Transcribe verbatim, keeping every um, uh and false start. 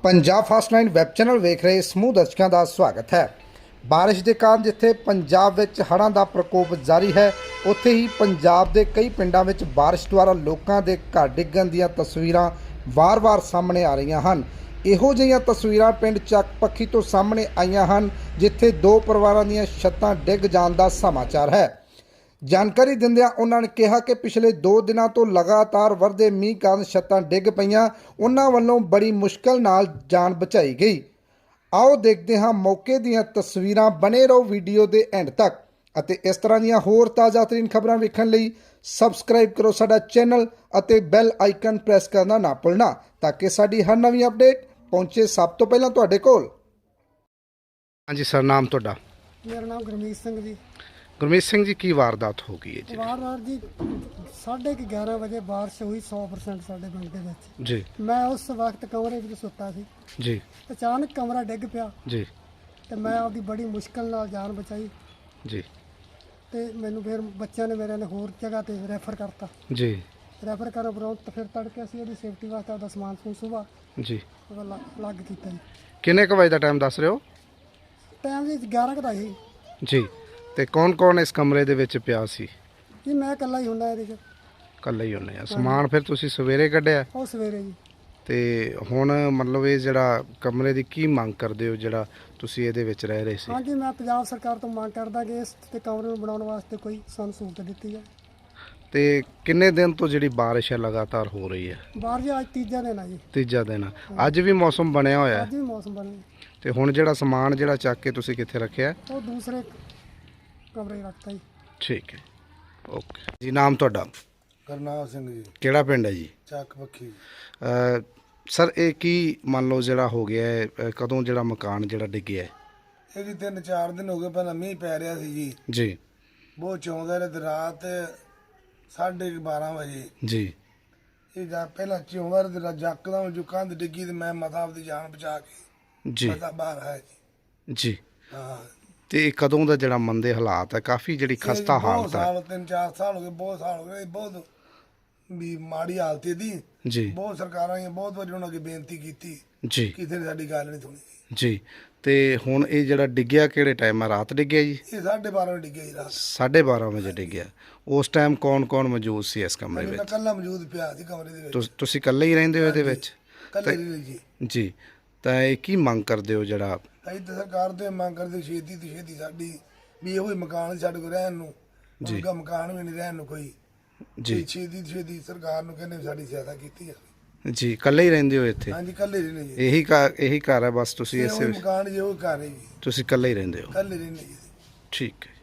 Punjab fast nine web channel वेख रहे समूह दर्शकों का स्वागत है। बारिश के कारण जिथे पंजाब विच हड़ां दा प्रकोप जारी है, उत्थे ही पंजाब के कई पिंडां विच बारिश द्वारा लोगों के घर डिग्गण दीयां तस्वीरां वार वार सामने आ रही हैं। इहो जिहियां तस्वीरां पिंड ਚੱਕ ਪੱਖੀ तो सामने आईयां हैं, जिथे दो परिवारों दीयां छत्तां डिग जाण दा समाचार है। जानकारी दिंदियां उन्होंने कहा कि पिछले दो दिनों तो लगातार वरदे मींह कारण छत्तां डिग पईयां, उन्हां वल्लों बड़ी मुश्किल नाल जान बचाई गई। आओ देखते हाँ मौके दीयां तस्वीरां, बने रहो वीडियो के एंड तक। अते इस तरह दीयां होर ताज़ा तरीन खबरां वेखण लई सबसक्राइब करो साडा चैनल अते बैल आइकन प्रेस करना ना भुलना, ताकि साडी हर नवीं अपडेट पहुंचे सब तो पहलां तुहाडे कोल। हाँ जी सर, नाम तुहाडा? मेरा नाम गुरमीत सिंह जी। गुरमीत सिंह जी, की वारदात हो गई है जी? वारदात जी साढ़े ग्यारह बजे बारिश हुई सौ परसेंट साढ़े पिंड के विच जी। मैं उस वक्त कमरे में सुता सी जी। अचानक कमरा डिग पिया जी। ते मैं आपकी बड़ी मुश्किल नाल जान बचाई जी। ते मैनू फिर बच्चों ने मेरे ने होर जगह ते रैफर करता। जी। रैफर करन उपरंत तो फिर तड़के असीं इहदी सेफ्टी वास्ते आपदा समान समून सुबह जी लग कीता जी। किन्ने क बजे दा टाइम दस रहे हो? टाइम जी ग्यारह का ही जी। ते कौन कौन इस कमरे दे विच पिया सी? जी मैं कल्ला ही हुंदा इहदे च। कल्ला ही हुंदे आ। समान फिर तुसीं सवेरे कढिया ਉਹ ਸਵੇਰੇ ਜੀ। ਤੇ ਹੁਣ मतलब ਇਹ ਜਿਹੜਾ ਕਮਰੇ ਦੀ ਕੀ ਮੰਗ ਕਰਦੇ ਹੋ ਜਿਹੜਾ ਤੁਸੀਂ ਇਹਦੇ ਵਿੱਚ ਰਹਿ ਰਹੇ ਸੀ? ਹਾਂਜੀ ਮੈਂ ਪੰਜਾਬ ਸਰਕਾਰ ਤੋਂ ਮੰਗ ਕਰਦਾ ਕਿ ਇਸ ਤੇ ਕਮਰੇ ਨੂੰ ਬਣਾਉਣ ਵਾਸਤੇ ਕੋਈ ਸਾਨੂੰ ਸਹੂਲਤ ਦਿੱਤੀ ਜਾਏ। ਤੇ ਕਿੰਨੇ ਦਿਨ ਤੋਂ ਜਿਹੜੀ ਬਾਰਿਸ਼ ਹੈ ਲਗਾਤਾਰ ਹੋ ਰਹੀ ਹੈ? ਬਾਹਰ ਜੀ ਅੱਜ ਤੀਜਾ ਦਿਨ ਆ ਜੀ। ਤੀਜਾ ਦਿਨ ਅੱਜ ਵੀ ਮੌਸਮ ਬਣਿਆ ਹੋਇਆ ਅੱਜ ਹੈ ਵੀ ਮੌਸਮ ਬਣਿਆ ਤੇ ਹੁਣ ਜਿਹੜਾ ਸਮਾਨ ਜਿਹੜਾ ਚੱਕ ਕੇ ਤੁਸੀਂ ਕਿੱਥੇ ਰੱਖਿਆ? ਉਹ ਦੂਸਰੇ ਕਮਰੇ ਰੱਖਤਾ ਜੀ। ਠੀਕ ਹੈ, ਓਕੇ ਜੀ। ਨਾਮ ਤੁਹਾਡਾ? ਕਰਨਾਲ ਸਿੰਘ ਜੀ। ਕਿਹੜਾ ਪਿੰਡ ਹੈ ਜੀ? ਚੱਕ ਪੱਖੀ। ਸਰ ਇਹ ਕੀ ਮੰਨ ਲਓ ਜਿਹੜਾ ਹੋ ਗਿਆ ਹੈ, ਅਹ ਕਦੋਂ ਜਿਹੜਾ ਮਕਾਨ ਜਿਹੜਾ ਡਿੱਗਿਆ ਹੈ? ਇਹ ਜੀ ਤਿੰਨ ਚਾਰ ਦਿਨ ਹੋ ਗਏ, ਪਹਿਲਾਂ ਮੀਂਹ ਪੈ ਰਿਹਾ ਸੀ ਜੀ, ਜੀ। ਬਹੁਤ ਚੌਂਦਾ ਰਿਹਾ ਤੇ ਰਾਤ ਸਾਢੇ ਬਾਰਾਂ ਵਜੇ ਜੀ। ਇਹ ਜਾਂ ਪਹਿਲਾਂ ਚੌਂਦਾ ਰਿਹਾ ਤੇ ਰਾਤ ਯਕਦਮ ਜੋ ਕੰਧ ਡਿੱਗੀ ਤੇ ਮੈਂ ਮਾਤਾ ਆਪਦੀ ਜਾਨ ਬਚਾ ਕੇ ਜੀ। ਪਤਾ ਬਾਹਰ ਆਇਆ ਜੀ। ਜੀ। ਹਾਂ ਤੇ ਕਦੋਂ ਦਾ ਜਿਹੜਾ ਮੰਦੇ ਹਾਲਾਤ ਹੈ, ਕਾਫੀ ਜਿਹੜੀ ਖਸਤਾ ਬਹੁਤ ਹਾਲਤ ਹੈ? ਸਾਲ ਤਿੰਨ ਚਾਰ ਸਾਲ ਹੋ ਗਏ, ਬਹੁਤ ਸਾਲ ਹੋ ਗਏ, ਬਹੁਤ ਵੀ ਮਾੜੀ ਹਾਲਤ ਇਹਦੀ। ਜੀ। ਬਹੁਤ ਸਰਕਾਰਾਂ ਨੇ ਬਹੁਤ ਵਾਰੀ ਉਹਨਾਂ ਅੱਗੇ ਬੇਨਤੀ ਕੀਤੀ, ਜੀ। ਕਿਸੇ ਨੇ ਸਾਡੀ ਗੱਲ ਨਹੀਂ ਸੁਣੀ ਜੀ। ਤੇ ਹੁਣ ਇਹ ਜਿਹੜਾ ਡਿੱਗਿਆ ਕਿਹੜੇ ਟਾਈਮ ਹੈ? ਰਾਤ ਡਿੱਗਿਆ ਜੀ? ਇਹ ਸਾਢੇ ਬਾਰਾਂ ਵਜੇ ਡਿੱਗਿਆ ਜੀ ਰਾਤ। ਸਾਢੇ ਬਾਰਾਂ ਵਜੇ ਡਿੱਗਿਆ। ਉਸ ਟਾਈਮ ਕੌਣ ਕੌਣ ਮੌਜੂਦ ਸੀ ਇਸ ਕਮਰੇ ਮੈਂ ਵਿੱਚ? ਕੱਲਾ ਮੌਜੂਦ ਪਿਆ ਸੀ ਕਮਰੇ ਦੇ ਵਿੱਚ। ਤੁਸ- ਤੁਸੀਂ ਇਕੱਲੇ ਹੀ ਰਹਿੰਦੇ ਹੋ ਇਹਦੇ ਵਿੱਚ? ਕੱਲੇ ਰਹੀ ਜੀ। ਜੀ। ਤਾਂ ਇਹ ਕੀ ਮੰਗ ਕਰਦੇ ਹੋ ਜਿਹੜਾ? ਅਸੀਂ ਤਾਂ ਸਰਕਾਰ ਤੋਂ ਮੰਗ ਕਰਦੇ ਛੇਤੀ ਤੋਂ ਛੇਤੀ ਸਾਡੀ ਵੀ ਇਹੋ ਹੀ ਮਕਾਨ ਸਾਡੇ ਕੋਲ ਰਹਿਣ ਨੂੰ, ਉਹਦਾ ਮਕਾਨ ਵੀ ਨਹੀਂ ਰਹਿਣ ਨੂੰ ਕੋਈ। ਜੀ। ਛੇਤੀ ਤੋਂ ਛੇਤੀ ਸਰਕਾਰ ਨੂੰ ਕਹਿੰਦੇ ਸਾਡੀ ਸਹਾਇਤਾ ਕੀਤੀ ਜਾਵੇ। ਜੀ। ਇਕੱਲੇ ਹੀ ਰਹਿੰਦੇ ਹੋ ਇੱਥੇ? ਹਾਂਜੀ ਕੱਲੇ ਰਹਿੰਦੇ ਜੀ। ਇਹੀ ਘਰ ਇਹੀ ਘਰ ਹੈ ਬਸ? ਤੁਸੀਂ ਇਹੋ ਇਸੇ ਹੀ ਮਕਾਨ ਜੀ, ਉਹ ਘਰ ਹੈ ਜੀ, ਤੁਸੀਂ ਇਕੱਲੇ ਹੀ ਰਹਿੰਦੇ ਹੋ? ਕੱਲੇ ਰਹਿੰਦੇ ਜੀ। ਠੀਕ ਹੈ।